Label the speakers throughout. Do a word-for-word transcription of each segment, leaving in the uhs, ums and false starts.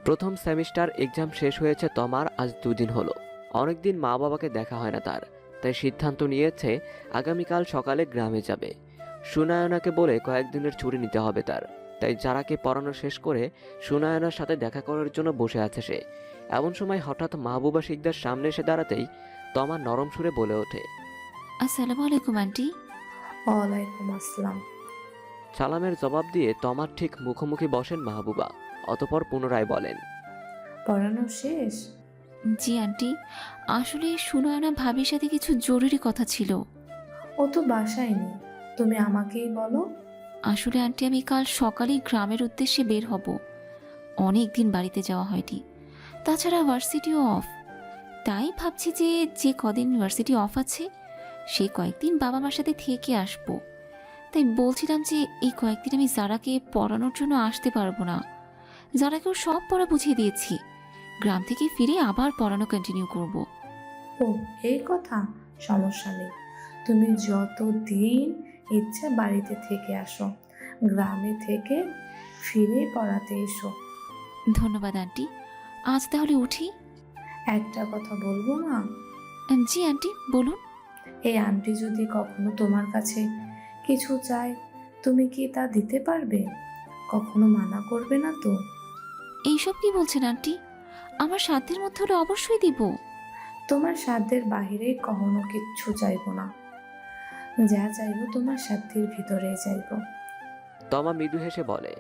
Speaker 1: প্রথম semester exam শেষ হয়েছে তমার আজ দুদিন হলো। অনেকদিন মা বাবাকে দেখা হয় না তার, তাই সিদ্ধান্ত নিয়েছে আগামীকাল সকালে গ্রামে যাবে। সুনায়নাকে বলে কয়েকদিনের ছুটি নিতে হবে তার। তাই যারাকে পড়ানো শেষ করে সুনায়নার সাথে দেখা করার জন্য বসে আছে সে। এমন সময় হঠাৎ মাহবুবা শিকদার সামনে এসে দাঁড়াতেই তমা নরম সুরে বলে ওঠে,
Speaker 2: আসসালামু আলাইকুম আন্টি।
Speaker 3: ওয়ালাইকুম আসসালাম।
Speaker 1: সালামের জবাব দিয়ে তমার ঠিক মুখোমুখি বসেন মাহবুবা। অতপর পুনরায় বলেন,
Speaker 3: পড়ানো শেষ?
Speaker 2: জি আন্টি, আসলে সুনয়না ভাবির সাথে কিছু জরুরি কথা ছিল।
Speaker 3: ও তো বাসায় নেই, তুমি আমাকেই বলো।
Speaker 2: আসলে আন্টি আমি কাল সকালেই গ্রামের উদ্দেশ্যে বের হব। অনেক দিন বাড়িতে যাওয়া হয়নি, তাছাড়া ভার্সিটিও অফ। তাই ভাবছি যে যে কদিন ইউনিভার্সিটি অফ আছে সেই কয়েকদিন বাবা মার সাথে থেকে আসবো। তাই বলছিলাম যে এই কয়েকদিন আমি যারাকে পড়ানোর জন্য আসতে পারবো না। যারাকেও সব পড়া বুঝিয়ে দিয়েছি, গ্রাম থেকে ফিরে আবার পড়ানো কন্টিনিউ করব।
Speaker 3: ও, এই কথা। সমস্যা নেই, তুমি যতদিন ইচ্ছা বাড়িতে থেকে আসো, গ্রামে থেকে ফিরে পড়াতে এসো।
Speaker 2: ধন্যবাদ আন্টি, আজ তাহলে উঠি।
Speaker 3: একটা কথা বলবো মা?
Speaker 2: উম, জি আন্টি বলুন।
Speaker 3: এই আন্টি যদি কখনো তোমার কাছে কিছু চায়, তুমি কি তা দিতে পারবে? কখনো মানা করবে না তো?
Speaker 2: এইসব কি বলছেন আন্টি? আমার সাধ্যের মধ্যে হলে অবশ্যই দিব।
Speaker 3: তোমার সাধ্যের বাহিরে কখনো কিচ্ছু চাইবো না, যা চাইবো তোমার সাধ্যের ভিতরে চাইবো।
Speaker 1: তমা মৃদু হেসে বলে,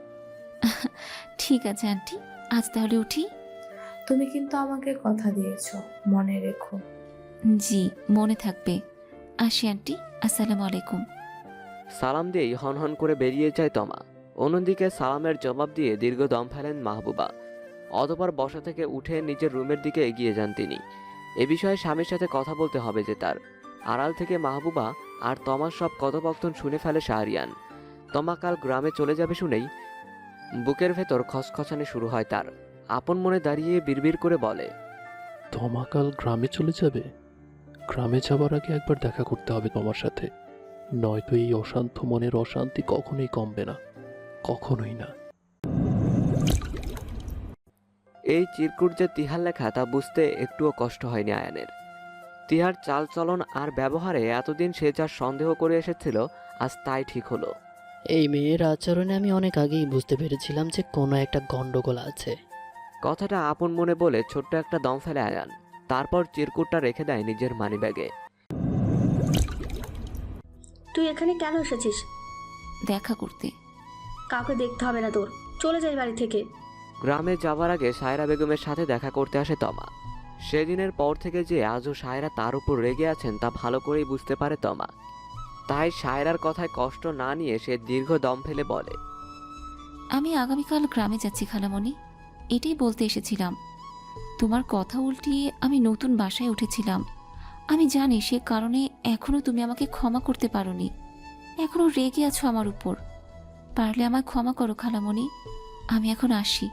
Speaker 2: ঠিক আছে আন্টি, আজ তাহলে উঠি।
Speaker 3: তুমি কিন্তু আমাকে কথা দিয়েছো, মনে রেখো।
Speaker 2: জি, মনে থাকবে। আসি আন্টি, আসসালামু আলাইকুম।
Speaker 1: সালাম দিয়েই হনহন করে বেরিয়ে যায় তমা। অন্যদিকে সালামের জবাব দিয়ে দীর্ঘ দম ফেলেন মাহবুবা। অতঃপর বসা থেকে উঠে নিজের রুমের দিকে এগিয়ে যান তিনি। এ বিষয়ে স্বামীর সাথে কথা বলতে হবে যে তার। আড়াল থেকে মাহবুবা আর তমার সব কথোপকথন শুনে ফেলে শাহরিয়ান। তমা কাল গ্রামে চলে যাবে শুনেই বুকের ভেতর খসখসানি শুরু হয় তার। আপন মনে দাঁড়িয়ে বিড়বিড় করে বলে,
Speaker 4: তমা কাল গ্রামে চলে যাবে? গ্রামে যাবার আগে একবার দেখা করতে হবে তোমার সাথে, নয়তো এই অশান্ত মনের অশান্তি কখনোই কমবে না, কখনোই না।
Speaker 1: এই চিরকুট যে তিহার লেখা তা বুঝতে একটুও কষ্ট হয়নি আয়ানের। তিহার চালচলন আর ব্যবহারে এতদিন সে যা সন্দেহ করে এসেছিল আজ তাই ঠিক হলো।
Speaker 5: এই মেয়ের আচরণে আমি অনেক আগেই বুঝতে পেরেছিলাম যে কোনো একটা গন্ডগোল আছে।
Speaker 1: কথাটা আপন মনে বলে ছোট্ট একটা দম ফেলে আয়ান। তারপর চিরকুটটা রেখে দেয় নিজের মানিব্যাগে।
Speaker 6: তুই এখানে কেন এসেছিস?
Speaker 2: দেখা করতে।
Speaker 6: কাউকে দেখতে হবে না তোর, চলে যাই বাড়ি থেকে।
Speaker 1: গ্রামে যাবার আগে সায়রা বেগমের সাথে দেখা করতে আসে তমা। সেদিনের পর থেকে যে আজও সায়রা তার উপর রেগে আছেন তা ভালো করেই বুঝতে পারে তমা। তাই সায়রার কথায় কষ্ট না নিয়ে সে দীর্ঘ দম ফেলে বলে,
Speaker 2: আমি আগামীকাল গ্রামে যাচ্ছি খালামণি, এটাই বলতে এসেছিলাম। তোমার কথা উল্টিয়ে আমি নতুন বাসায় উঠেছিলাম। আমি জানি সে কারণে এখনো তুমি আমাকে ক্ষমা করতে পারোনি, এখনো রেগে আছো আমার উপর। পারলে আমায় ক্ষমা করো খালামণি, আমি এখন আসি।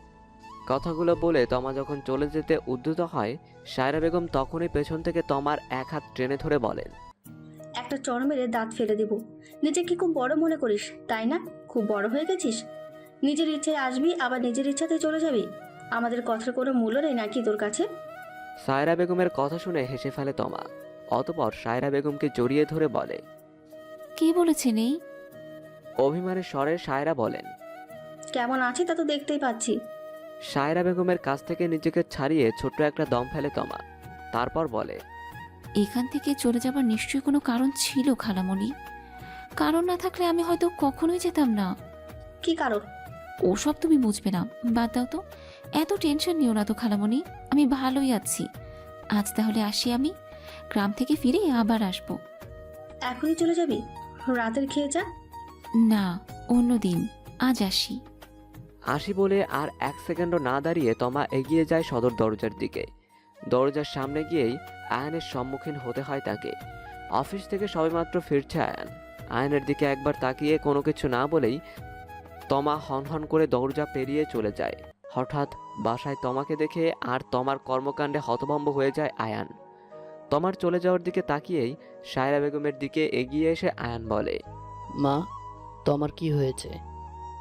Speaker 1: কথাগুলো বলে তমা যখন চলে যেতে উদ্যত হয়, সায়রা বেগম তখনই পেছন থেকে তমার এক হাত টেনে ধরে বলেন,
Speaker 6: একটা চড় মেরে দাঁত ফেলে দেব। নিজেকে খুব বড় মনে করিস তাই না? খুব বড় হয়ে গেছিস। নিজের ইচ্ছায় আসবি আবার নিজের ইচ্ছাতে চলে যাবি। আমাদের কথার কোনো মূল্য নেই নাকি তোর কাছে?
Speaker 1: সায়রা বেগমের কথা শুনে হেসে ফেলে তমা। অতপর সায়রা বেগমকে জড়িয়ে ধরে বলে,
Speaker 2: কে বলেছে নেই?
Speaker 1: অভিমানের স্বরে সায়রা বলেন।
Speaker 6: কেমন আছি তা তো দেখতেই পাচ্ছি।
Speaker 1: সায়রা বেগমের কাছ থেকে নিজেকে ছাড়িয়ে ছোট্ট একটা দম ফেলে তমা। তারপর বলে,
Speaker 2: এখান থেকে চলে যাবার নিশ্চয়ই কোনো কারণ ছিল খালামণি। কারণ না থাকলে আমি হয়তো কখনোই যেতাম না।
Speaker 6: কি কারণ?
Speaker 2: ওসব তুমি বুঝবে না, বাদ দাও তো। এত টেনশন নিও না তো খালামণি, আমি ভালোই আছি। আজ তাহলে আসি, আমি গ্রাম থেকে ফিরে আবার আসবো।
Speaker 6: এখনই চলে যাবি? রাতের খেয়ে যা।
Speaker 2: না, অন্য দিন, আজ আসি।
Speaker 1: আসি বলে আর এক সেকেন্ডও না দাঁড়িয়ে তমা এগিয়ে যায় সদর দরজার দিকে। দরজার সামনে গিয়েই আয়ানের সম্মুখীন হতে হয় তাকে। অফিস থেকে সবেমাত্র ফিরছে আয়ান। আয়ানের দিকে একবার তাকিয়ে কোনো কিছু না বলেই তমা হনহন করে দরজা পেরিয়ে চলে যায়। হঠাৎ বাসায় তমাকে দেখে আর তমার কর্মকাণ্ডে হতভম্ব হয়ে যায় আয়ান। তমার চলে যাওয়ার দিকে তাকিয়েই সায়রা বেগমের দিকে এগিয়ে এসে আয়ান বলে,
Speaker 5: মা, তোমার কি হয়েছে?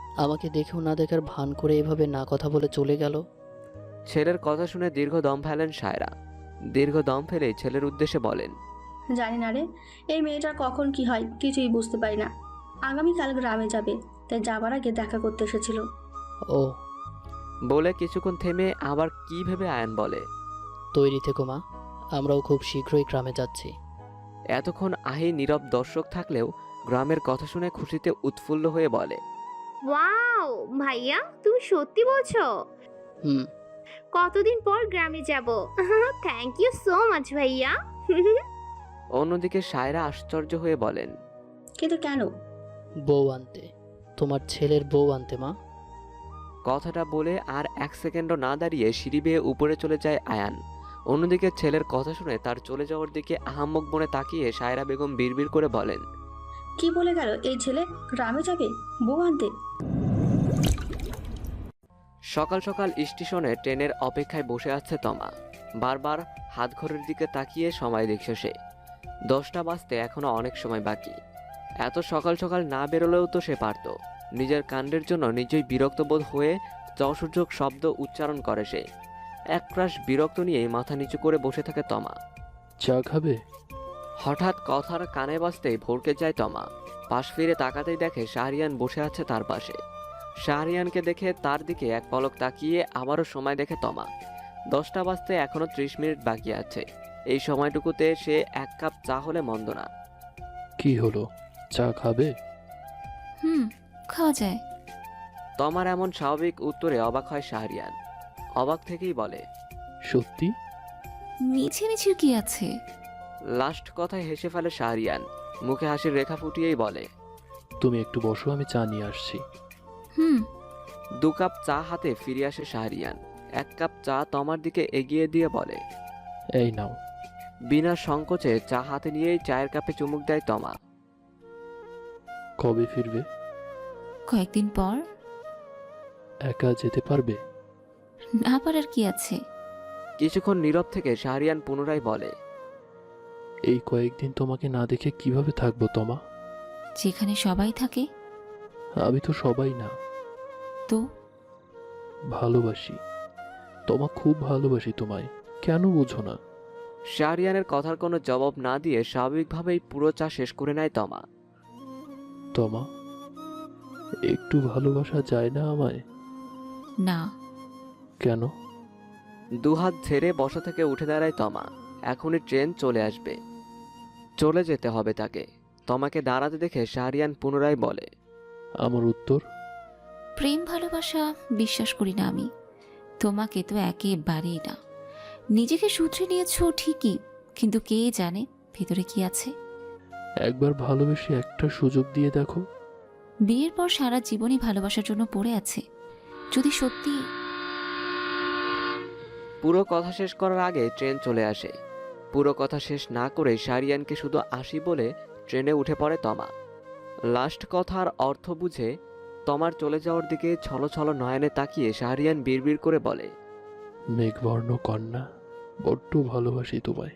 Speaker 5: আমাকে দেখেও না দেখার ভান করে এভাবে না কথা বলে চলে গেল।
Speaker 1: ছেলের কথা শুনে দীর্ঘ দম ফেলেন সায়রা। দীর্ঘ দম ফেলে ছেলের উদ্দেশ্যে বলেন,
Speaker 6: জানি না রে, এই মেয়েটার কখন কি হয় কিছুই বুঝতে পারি না। আগামীকাল গ্রামে যাবে, তাই যাবার আগে দেখা করতে এসেছিল।
Speaker 5: ও,
Speaker 1: বলে কিছুক্ষণ থেমে আবার কি ভেবে আয়ান বলে,
Speaker 5: তৈরি থেকো মা, আমরাও খুব শীঘ্রই গ্রামে যাচ্ছি।
Speaker 1: এতক্ষণ আহি নীরব দর্শক থাকলেও গ্রামের কথা শুনে খুশিতে উৎফুল্ল হয়ে বলে,
Speaker 7: ওয়াও ভাইয়া, তুমি সত্যি বলছো?
Speaker 5: হুম।
Speaker 7: কতদিন পর গ্রামে যাব। থ্যাংক ইউ সো মাচ ভাইয়া।
Speaker 1: অন্যদিকে সায়রা আশ্চর্য হয়ে বলেন,
Speaker 6: কিন্তু কেন?
Speaker 5: বউ আনতে, তোমার ছেলের বউ আনতে মা।
Speaker 1: কথাটা বলে আর এক সেকেন্ডও না দাঁড়িয়ে সিঁড়ি বেয়ে উপরে চলে যায় আয়ান। অন্যদিকে ছেলের কথা শুনে তার চলে যাওয়ার দিকে আহাম্মক মনে তাকিয়ে সায়রা বেগম বিড়বিড় করে বলেন,
Speaker 6: কি বলে গেল এই ছেলে? গ্রামে যাবে বউ আনতে?
Speaker 1: সকাল সকাল স্টেশনে ট্রেনের অপেক্ষায় বসে আছে তমা। বারবার হাত ঘড়ির দিকে তাকিয়ে সময় দেখছে সে। দশটা বাজতে এখনো অনেক সময় বাকি। এত সকাল সকাল না বেরোলেও তো সে পারত। নিজের কাণ্ডের জন্য নিজেই বিরক্ত বোধ হয়ে যসূচক শব্দ উচ্চারণ করে সে। একরাশ বিরক্ত নিয়েই মাথা নিচু করে বসে থাকে তমা।
Speaker 4: চা খাবে?
Speaker 1: হঠাৎ কথার কানে বাজতেই ভড়কে যায় তমা। পাশ ফিরে তাকাতেই দেখে শাহরিয়ান বসে আছে তার পাশে। শাহরিয়ানকে দেখে তার দিকে এক পলক তাকিয়ে আবারও সময় দেখে তমা। দশটা বাজতে এখনো ত্রিশ মিনিট বাকি আছে। এই সময়টুকুতে সে এক কাপ চা হলে মন্দ না।
Speaker 4: কি হলো, চা খাবে?
Speaker 2: হুম, খাওয়া যায়।
Speaker 1: তমার এমন স্বাভাবিক উত্তরে অবাক হয় শাহরিয়ান। অবাক থেকেই বলে,
Speaker 4: সত্যি?
Speaker 2: মিছিমিছির কি আছে?
Speaker 1: লাস্ট কথায় হেসে ফেলে শাহরিয়ান। মুখে হাসির রেখা ফুটিয়েই বলে,
Speaker 4: তুমি একটু বসো, আমি চা নিয়ে আসছি।
Speaker 2: হুম।
Speaker 1: দু কাপ চা হাতে ফিরে আসে শাহরিয়ান। এক কাপ চা তমার দিকে এগিয়ে দিয়ে বলে,
Speaker 4: এই নাও।
Speaker 1: বিনা সংকোচে চা হাতে নিয়েই চায়ের কাপে চুমুক দেয় তমা।
Speaker 4: কবে ফিরবে?
Speaker 2: কয়েকদিন পর।
Speaker 4: একা যেতে পারবে?
Speaker 2: না পারার কি আছে?
Speaker 1: কিছুক্ষণ নীরব থেকে শাহরিয়ান পুনরায় বলে,
Speaker 4: এই কয়েকদিন তোমাকে না দেখে কিভাবে থাকবো তমা?
Speaker 2: যেখানে সবাই থাকে।
Speaker 4: আমি তো সবাই না।
Speaker 2: তো
Speaker 4: ভালোবাসি তোমা, খুব ভালোবাসি তোমায়, কেন বুঝো না?
Speaker 1: শাহরিয়ানের কথার কোনো জবাব না দিয়ে স্বাভাবিকভাবেই পুরো চা শেষ করে নেয় তমা।
Speaker 4: তমা, একটু ভালোবাসা যায় না আমায়?
Speaker 2: না।
Speaker 4: কেন?
Speaker 1: দুহাত ঝেড়ে বসা থেকে উঠে দাঁড়ায় তমা। এখনই ট্রেন চলে আসবে, চলে যেতে হবে তাকে। তমাকে দাঁড়াতে দেখে শাহরিয়ান পুনরায় বলে,
Speaker 4: আমার উত্তর?
Speaker 2: প্রেম ভালোবাসা বিশ্বাস করি না আমি। তোমাকে তো একেবারেই না। নিজেকে সূত্রে নিয়েছো ঠিকই, কিন্তু কে জানে ভেতরে কি আছে।
Speaker 4: একবার ভালোবেসে একটা সুযোগ দিয়ে দেখো।
Speaker 2: বিয়ের পর সারা জীবনই ভালোবাসার জন্য পড়ে আছে। যদি সত্যি।
Speaker 1: পুরো কথা শেষ করার আগে ট্রেন চলে আসে। পুরো কথা শেষ না করে শাহরিয়ানকে শুধু আসি বলে ট্রেনে উঠে পড়ে তমা। লাস্ট কথার অর্থ বুঝে তমার চলে যাওয়ার দিকে ছলো ছলো নয়নে তাকিয়ে শাহরিয়ান বিড়বিড় করে বলে,
Speaker 4: মেঘবর্ণ কন্যা, বড্ড ভালোবাসি তোমায়।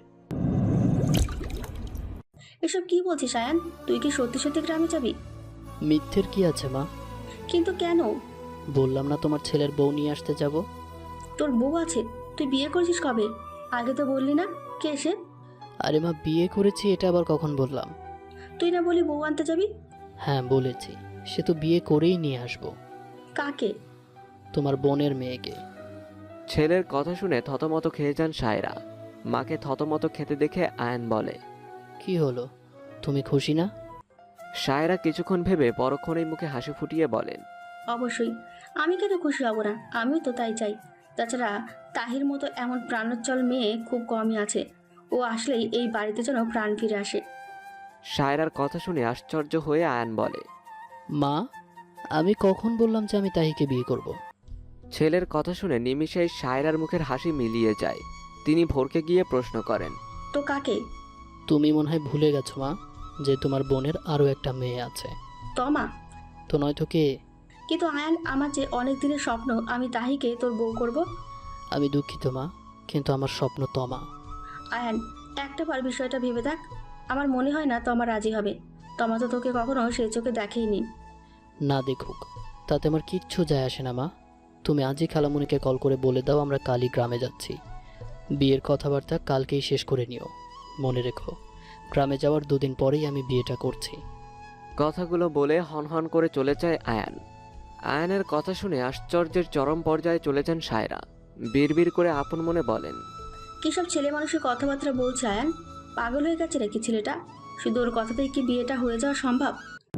Speaker 6: এসব কি বলছিস আয়ান? তুই কি সত্যি সত্যি গ্রামে যাবি?
Speaker 5: মিথ্যের কি আছে মা?
Speaker 6: কিন্তু কেন?
Speaker 5: বললাম না তোমার ছেলের বউ নিয়ে আসতে যাব।
Speaker 6: তোর বউ আছে? তুই বিয়ে করছিস কবে? আগে তো বললি না। কে সে?
Speaker 5: আরে মা, বিয়ে করেছি এটা আবার কখন বললাম?
Speaker 6: তুই না বলি বউ আনতে যাবি?
Speaker 5: হ্যাঁ বলেছি, সে তো বিয়ে করেই নিয়ে আসবো।
Speaker 6: কাকে?
Speaker 5: তোমার বোনের মেয়েকে।
Speaker 1: ছেলের কথা শুনে থতমত খেয়ে যান সায়রা। মাকে থতমত খেতে দেখে আয়ান বলে,
Speaker 5: কি হলো, তুমি খুশি না?
Speaker 1: সায়রা কিছুক্ষণ ভেবে পরক্ষণেই মুখে হাসি ফুটিয়ে বলেন,
Speaker 6: অবশ্যই। আমি কেন খুশি হব না? আমিও তো তাই চাই। তাছাড়া তাহির মতো এমন প্রাণোচ্ছল মেয়ে খুব কমই আছে। ও আসলেই এই বাড়িতে যেন প্রাণ ফিরে আসে।
Speaker 1: সায়রার কথা শুনে আশ্চর্য হয়ে আয়ান বলে,
Speaker 5: মা, আমি কখন বললাম যে আমি তাহিকে বিয়ে করব?
Speaker 1: ছেলের কথা শুনে নিমিষেই সায়রার মুখের হাসি মিলিয়ে যায়। তিনি ভোরকে গিয়ে প্রশ্ন করেন,
Speaker 6: তো কাকে?
Speaker 5: তুমি মনে হয় ভুলে গেছো মা, যে তোমার বোনের আরও একটা মেয়ে আছে।
Speaker 6: তমা?
Speaker 5: তো নয়তো কে?
Speaker 6: কিন্তু আয়ান, আমার যে অনেক দিনের স্বপ্ন আমি তাহিকে তোর বউ করব।
Speaker 5: আমি দুঃখিত মা, কিন্তু আমার স্বপ্ন তমা।
Speaker 6: আয়ান, একটা বার বিষয়টা ভেবে দেখ। আমার মনে হয় না তমা রাজি হবে। তমা তো তোকে কখনো সেই চোখে দেখেইনি।
Speaker 5: না দেখুক, তাতে আমার কিচ্ছু যায় আসে না মা। তুমি আজই খালামুনিকে কল করে বলে দাও আমরা কালই গ্রামে যাচ্ছি। বিয়ের কথাবার্তা কালকেই শেষ করে নিও। মনে রেখো, গ্রামে যাওয়ার দুদিন পরেই আমি বিয়েটা করছি।
Speaker 1: কথাগুলো বলে হনহন করে চলে যায় আয়ান। আয়ানের কথা শুনে আশ্চর্যের চরম পর্যায়ে চলে যান সায়রা। বিড়বিড় করে আপন মনে বলেন,
Speaker 6: কিসব ছেলে মানুষের কথাবার্তা বলছে আয়ান? পাগল হয়ে গেছে নাকি ছেলেটা? শুধু ওর কথাতেই কি বিয়েটা হয়ে যাওয়া সম্ভব?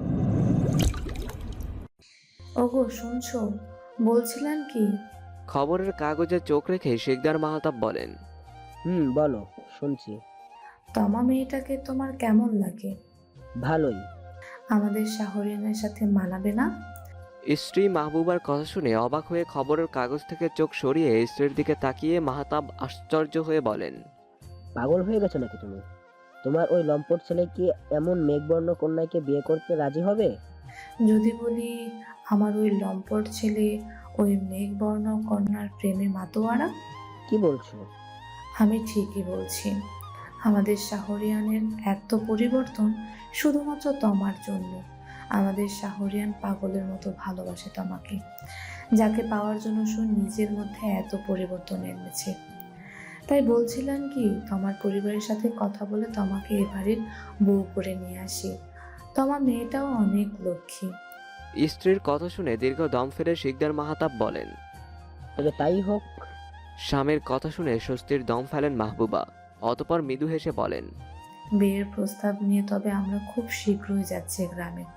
Speaker 3: ওগো শুনছো, বলছিলেন কি?
Speaker 1: খবরের কাগজে চোখ রেখে শিকদার মাহতাব বলেন,
Speaker 8: হুম বলো, শুনছি।
Speaker 3: তমা মেয়েটাকে তোমার কেমন লাগে?
Speaker 8: ভালোই।
Speaker 3: আমাদের শাহরিয়ানের সাথে মানাবে না?
Speaker 1: স্ত্রী মাহবুবার কথা শুনে অবাক হয়ে খবরের কাগজ থেকে চোখ সরিয়ে স্ত্রীর দিকে তাকিয়ে মাহতাব আশ্চর্য হয়ে বলেন,
Speaker 8: পাগল হয়ে গেছো নাকি তুমি? তোমার ওই লম্পট ছেলে কি এমন মেঘবর্ণ কন্যাকে বিয়ে করতে রাজি হবে?
Speaker 3: যদি বলি আমার ওই লম্পট ছেলে ওই মেঘবর্ণ কন্যার প্রেমে মাতোয়ারা?
Speaker 8: কি বলছো?
Speaker 3: আমি ঠিকই বলছি। আমাদের শাহরিয়ানের এত পরিবর্তন শুধুমাত্র তমার জন্য। আমাদের শাহরিয়ান পাগলের মতো ভালোবাসে তমাকে, যাকে পাওয়ার জন্য সে নিজের মধ্যে এত পরিবর্তন এনেছে। তাই বলছিলাম কি, তোমার পরিবারের সাথে কথা বলে তোমাকে এবারের বউ করে নিয়ে আসি। তোমার মেয়েটাও অনেক লক্ষ্মী।
Speaker 1: স্ত্রীর কথা শুনে দীর্ঘ দম ফেলে শিকদার মাহতাব বলেন।
Speaker 8: তবে তাই হোক।
Speaker 1: স্বামীর কথা শুনে স্বস্তির দম ফেলেন মাহবুবা। অতপর মৃদু হেসে বলেন,
Speaker 3: বিয়ের প্রস্তাব নিয়ে তবে আমরা খুব শীঘ্রই যাচ্ছি গ্রামে।